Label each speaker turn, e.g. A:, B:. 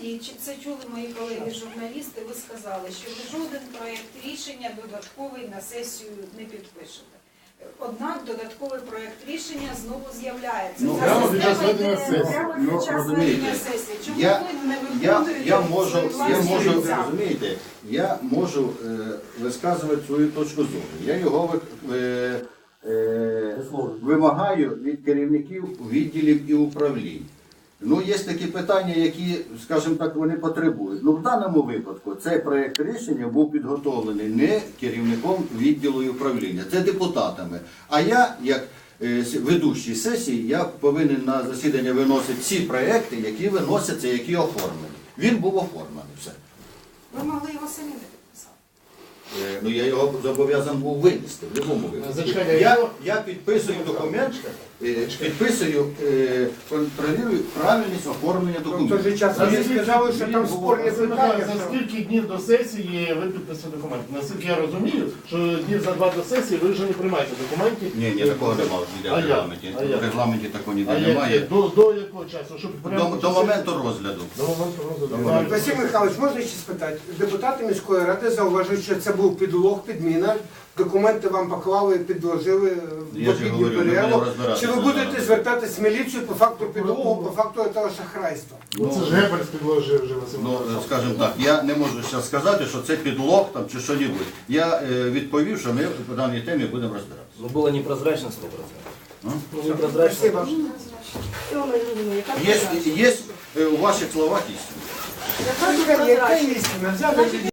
A: тоді, чи це чули мої колеги-журналісти, ви сказали, що ви жоден проєкт рішення додатковий на сесію не підпишете. Однак додатковий проєкт рішення знову з'являється.
B: Ну,
A: Ця
B: прямо під час
A: система
B: ведення
A: йде
B: сесії.
A: прямо
C: Ну,
A: під час
C: розумієте,
A: ведення сесії. Чому
C: Я
A: ви не виконуєте свої власні обіцянки?
C: розумієте, я можу висказувати свою точку зору. Я його вимагаю від керівників відділів і управлінь. Ну, є такі питання, які, скажімо так, вони потребують. Ну, в даному випадку цей проєкт рішення був підготовлений не керівником відділу і управління, це депутатами. А я, як ведучий сесії, я повинен на засідання виносити ці проєкти, які виносяться, які оформлені. Він був оформлений, все.
A: Ви могли його самі не підписати.
C: Ну, я його зобов'язаний був винести в будь-якому випадку. Я підписую документ, підписую, контролюю правильність оформлення
D: В той
C: документів.
D: же час ви сказали, що там спорні питання.
B: За скільки днів до сесії ви підписуєте документи? Наскільки я розумію, що днів за 2 до сесії ви вже не приймаєте документів.
C: Ні, такого немає ніде в регламенті. В регламенті такого ніде немає.
B: До якого часу? Щоб
C: До моменту розгляду.
B: До моменту розгляду.
D: Василь Михайлович, можна ще спитати? Депутати міської ради зауважують, що це був підлог, підміна. Документи вам поклали, підложили в
C: Я ж
D: обідню
C: говорю, ми
D: перерву.
C: будемо розбиратися
D: Чи ви
C: зараз.
D: будете звертатись в міліцію по факту підлогу, по факту цього шахрайства?
B: Це ж Геббельс підложив вже Василь
C: Ну,
B: Михайлович.
C: скажімо так, я не можу зараз сказати, що це підлог там, чи що-небудь. Я відповів, що ми по даній темі будемо розбиратися.
E: Ну, было непрозрачно 100%. Ну, непрозрачно.
D: Спасибо.
C: Є у ваших словах істина.
D: Яка істина? Взяли